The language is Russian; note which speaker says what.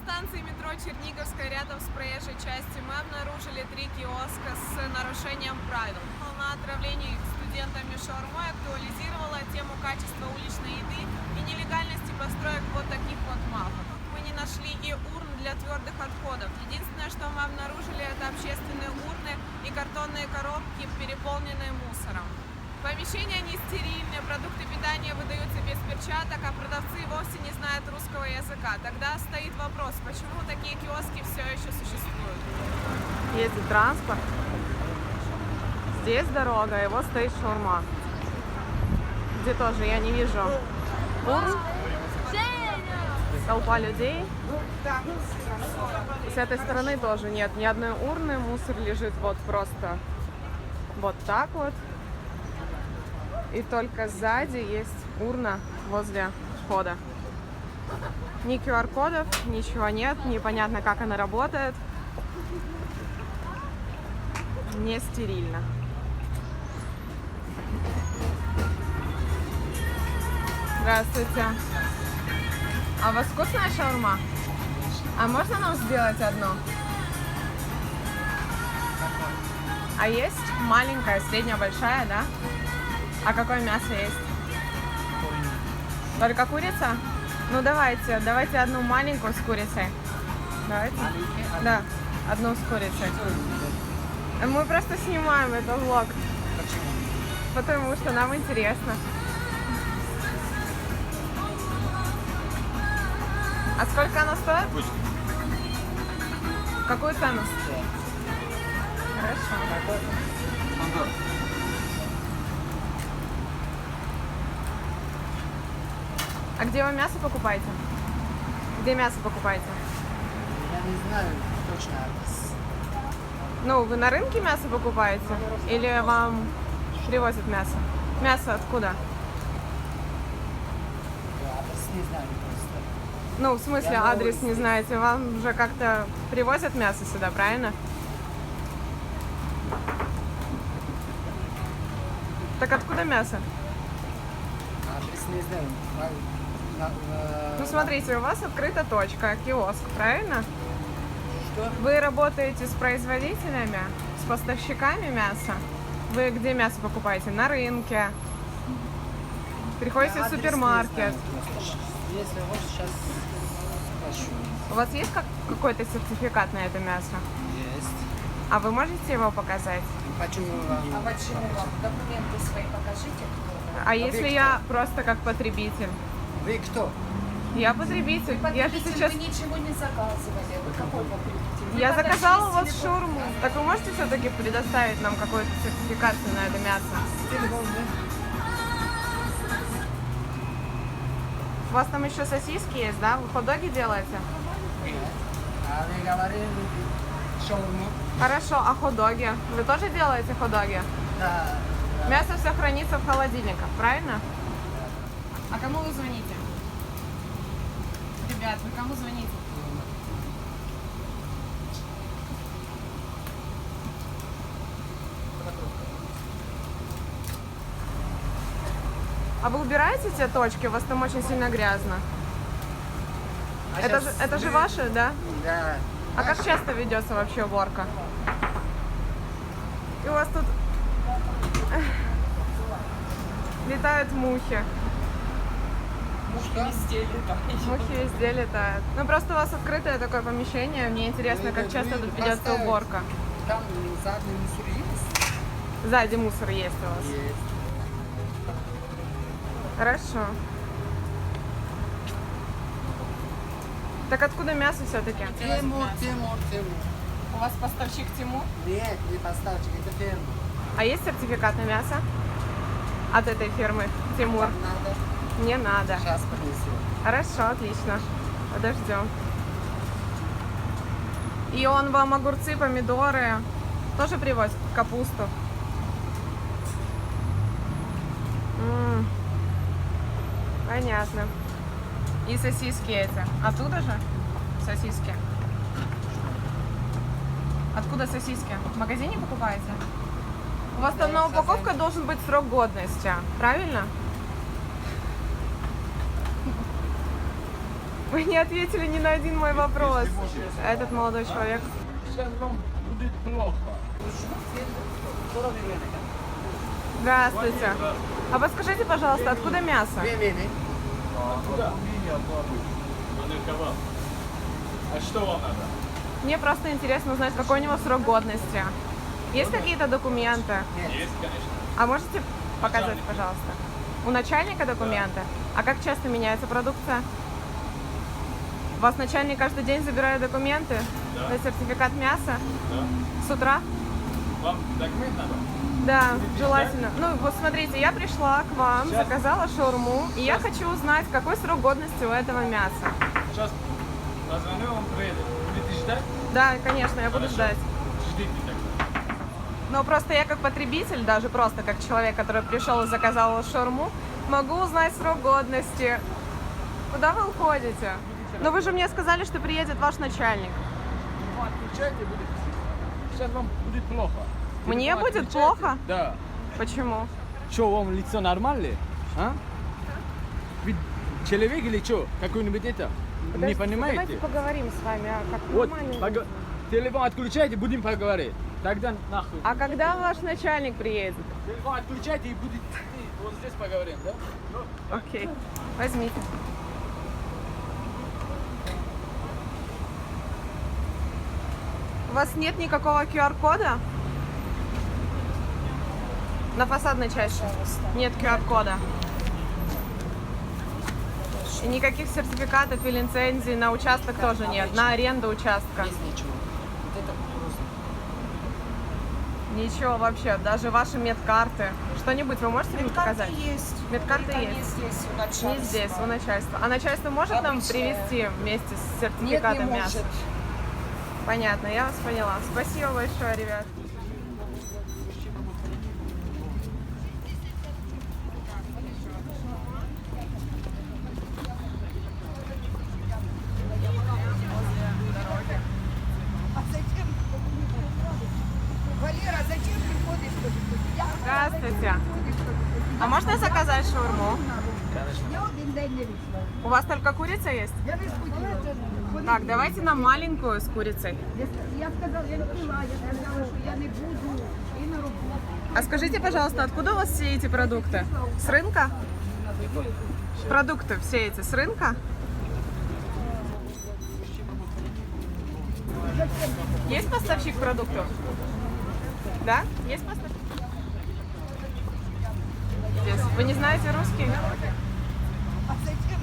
Speaker 1: станции метро Черниговская, рядом с проезжей частью, мы обнаружили 3 киоска с нарушением правил. Волна отравлений студентами шаурмой актуализировала тему качества уличной еды и нелегальности построек вот таких вот мафов. Мы не нашли и урн для твердых отходов. Единственное, что мы обнаружили, это общественные урны и картонные коробки, переполненные мусором. Помещения не стерильные, продукты питания выдаются без перчаток, а продавцы вовсе не знают русского языка. Тогда стоит вопрос, почему такие киоски все еще существуют?
Speaker 2: Ездит транспорт. Здесь дорога, и вот стоит шаурма. Где тоже я не вижу урн. Толпа людей. С этой стороны тоже нет ни одной урны. Мусор лежит вот просто вот так вот. И только сзади есть урна возле входа. Ни QR-кодов, ничего нет. Непонятно, как она работает. Не стерильно. Здравствуйте. А у вас вкусная шаурма? А можно нам сделать одну? А есть маленькая, средняя, большая, да? А какое мясо есть? Только курица? Ну давайте одну маленькую с курицей. Давайте. Да, одну с курицей. Мы просто снимаем этот влог.
Speaker 3: Почему?
Speaker 2: Потому что нам интересно. А сколько она стоит?
Speaker 3: Пусть.
Speaker 2: Какую цену? Хорошо.
Speaker 3: Антон.
Speaker 2: А где вы мясо покупаете? Где мясо покупаете?
Speaker 4: Я не знаю точно адрес.
Speaker 2: Ну, вы на рынке мясо покупаете? Или вам привозят мясо? Мясо откуда?
Speaker 4: Я адрес не знаю просто.
Speaker 2: Ну, в смысле,
Speaker 4: Я
Speaker 2: адрес
Speaker 4: новый
Speaker 2: не
Speaker 4: здесь.
Speaker 2: знаете. Вам же как-то привозят мясо сюда, правильно? Так откуда мясо?
Speaker 4: Адрес не знаю.
Speaker 2: Ну, смотрите, у вас открыта точка, киоск, правильно?
Speaker 4: Что?
Speaker 2: Вы работаете с производителями, с поставщиками мяса? Вы где мясо покупаете? На рынке? Приходите
Speaker 4: Я
Speaker 2: в
Speaker 4: адрес
Speaker 2: супермаркет?
Speaker 4: не знаю просто. Если вот сейчас спрошу.
Speaker 2: У вас есть какой-то сертификат на это мясо?
Speaker 4: Есть.
Speaker 2: А вы можете его показать?
Speaker 4: Почему вам?
Speaker 5: А почему вам? Документы свои покажите.
Speaker 2: А если я просто как потребитель?
Speaker 4: Вы кто?
Speaker 2: Я потребитель. Я же сейчас...
Speaker 5: Вы ничего не заказывали. Вы какой потребитель? Вы
Speaker 2: Я
Speaker 5: подошли,
Speaker 2: заказала у вас
Speaker 5: сели
Speaker 2: шаурму. Так вы можете все-таки предоставить нам какую-то сертификацию на это мясо?
Speaker 4: Телефон, да?
Speaker 2: У вас там еще сосиски есть, да? Вы хот-доги делаете?
Speaker 4: Нет. А вы говорили шаурму?
Speaker 2: Хорошо, а хот-доги? Вы тоже делаете хот-доги?
Speaker 4: Да.
Speaker 2: Мясо все хранится в холодильниках, правильно? А кому вы звоните? Ребят, вы кому звоните? А вы убираете те точки? У вас там очень сильно грязно. Это же ваши, да?
Speaker 4: Да.
Speaker 2: А как часто ведется вообще уборка? И у вас тут летают мухи.
Speaker 4: Что?
Speaker 2: Мухи везде летают. Ну просто у вас открытое такое помещение. Мне интересно, как часто тут ведется
Speaker 4: Поставить.
Speaker 2: уборка.
Speaker 4: Там задний мусор есть?
Speaker 2: Сзади мусор есть у вас.
Speaker 4: Есть.
Speaker 2: Хорошо. Так откуда мясо все-таки?
Speaker 4: Тимур.
Speaker 2: У вас поставщик Тимур?
Speaker 4: Нет, не поставьте, это ферма.
Speaker 2: А есть сертификат на мясо? От этой фирмы Тимур?
Speaker 4: Вам надо?
Speaker 2: Не надо.
Speaker 4: Сейчас принесу.
Speaker 2: Хорошо, отлично. Подождем. И он вам огурцы, помидоры тоже привозит? Капусту? Понятно. И сосиски эти. Оттуда же? Сосиски. Откуда сосиски? В магазине покупаете? У вас там на упаковке должен быть срок годности, правильно? Вы не ответили ни на один мой вопрос. Этот молодой человек.
Speaker 3: Сейчас вам будет плохо.
Speaker 2: Здравствуйте. А подскажите, пожалуйста, откуда мясо?
Speaker 3: Куда? А что вам надо?
Speaker 2: Мне просто интересно узнать, какой у него срок годности. Есть какие-то документы?
Speaker 3: Есть, конечно.
Speaker 2: А можете показать, пожалуйста? У начальника документы? А как часто меняется продукция? У вас начальник каждый день забирает документы?
Speaker 3: Да.
Speaker 2: На сертификат мяса?
Speaker 3: Да.
Speaker 2: С утра?
Speaker 3: Вам документ надо?
Speaker 2: Да, желательно. Ну, вот смотрите, я пришла к вам,
Speaker 3: Сейчас.
Speaker 2: заказала шаурму, и я хочу узнать, какой срок годности у этого мяса.
Speaker 3: Сейчас позвоню, он приедет. Будете ждать?
Speaker 2: Да, конечно, я буду
Speaker 3: Хорошо.
Speaker 2: ждать.
Speaker 3: Ждите тогда.
Speaker 2: Но просто я как потребитель, даже просто как человек, который пришел и заказал шаурму, могу узнать срок годности. Куда вы уходите? Но вы же мне сказали, что приедет ваш начальник.
Speaker 3: Отключайте, будет. Сейчас вам будет плохо.
Speaker 2: Мне
Speaker 3: Телефон
Speaker 2: будет
Speaker 3: отключайте.
Speaker 2: плохо?
Speaker 3: Да.
Speaker 2: Почему?
Speaker 3: Что, вам лицо нормальное? А? Вы человек или что? Какой-нибудь это? Не понимаете?
Speaker 2: Давайте поговорим с вами, как
Speaker 3: Вот,
Speaker 2: нормально.
Speaker 3: телефон отключайте, будем поговорить. Тогда нахуй.
Speaker 2: А когда ваш начальник приедет?
Speaker 3: Телефон отключайте и будет вот здесь поговорим, да?
Speaker 2: Окей, возьмите. У вас нет никакого QR-кода? На фасадной части нет QR-кода. И никаких сертификатов и лицензий на участок тоже нет, на аренду участка.
Speaker 4: Без ничего. Вот это просто.
Speaker 2: Ничего вообще, даже ваши медкарты. Что-нибудь вы можете мне показать?
Speaker 5: есть.
Speaker 2: Медкарты
Speaker 5: Только
Speaker 2: есть.
Speaker 5: Не здесь, у начальства.
Speaker 2: Не здесь, у начальства. А начальство может нам
Speaker 5: Обычное.
Speaker 2: привезти вместе с
Speaker 5: Нет, не
Speaker 2: сертификатом мяса?
Speaker 5: может.
Speaker 2: Понятно, я вас поняла. Спасибо большое, ребят.
Speaker 5: Валера, зачем приходишь?
Speaker 2: Здравствуйте. А можно заказать шаурму?
Speaker 5: Я один день не вийшла.
Speaker 2: У вас только курица есть?
Speaker 5: Я не сходила.
Speaker 2: Так, давайте нам маленькую с курицей.
Speaker 5: Я сказала, я не пила, я сказала, що я не буду і на роботу.
Speaker 2: А скажите, пожалуйста, откуда у вас все эти продукты? С рынка? Продукты все эти с рынка? Есть поставщик продуктов? Да? Есть поставщик? Здесь. Вы не знаете русский?
Speaker 5: А зачем